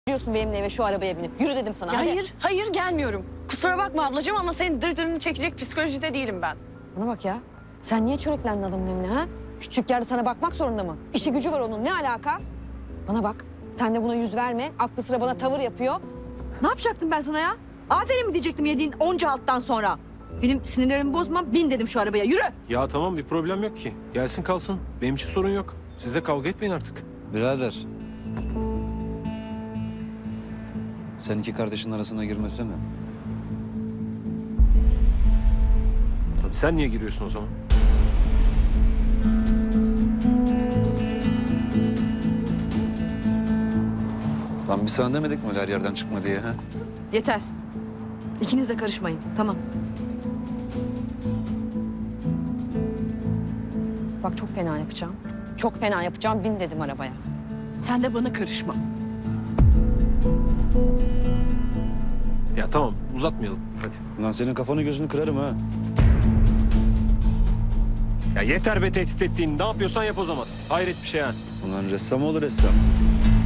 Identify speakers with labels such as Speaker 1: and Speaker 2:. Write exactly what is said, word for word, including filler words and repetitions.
Speaker 1: Biliyorsun benimle eve şu arabaya binip. Yürü dedim sana,
Speaker 2: Ya
Speaker 1: hadi.
Speaker 2: hayır, hayır gelmiyorum. Kusura bakma ablacığım ama senin dırdırını çekecek psikolojide değilim ben.
Speaker 1: Bana bak ya. Sen niye çöreklendin adamın evine ha? Küçük yerde sana bakmak zorunda mı? İşi gücü var onun, ne alaka? Bana bak, sen de buna yüz verme. Aklı sıra bana tavır yapıyor.
Speaker 3: Ne yapacaktım ben sana ya? Aferin mi diyecektim yediğin onca alttan sonra? Benim sinirlerimi bozma, bin dedim şu arabaya, yürü!
Speaker 4: Ya tamam, bir problem yok ki. Gelsin kalsın. Benim için sorun yok. Siz de kavga etmeyin artık.
Speaker 5: Birader. Sen iki kardeşin arasına girmesene.
Speaker 4: Tabii sen niye giriyorsun o zaman?
Speaker 5: Lan biz sana demedik mi öyle her yerden çıkma diye ha?
Speaker 3: Yeter. İkiniz de karışmayın, tamam.
Speaker 1: Bak çok fena yapacağım. Çok fena yapacağım, bin dedim arabaya.
Speaker 2: Sen de bana karışma.
Speaker 4: Ya tamam, uzatmayalım. Hadi.
Speaker 5: Lan senin kafanı gözünü kırarım ha.
Speaker 4: Ya yeter be tehdit ettiğin. Ne yapıyorsan yap o zaman. Hayret bir şey ha.
Speaker 5: Ulan ressam olur ressam.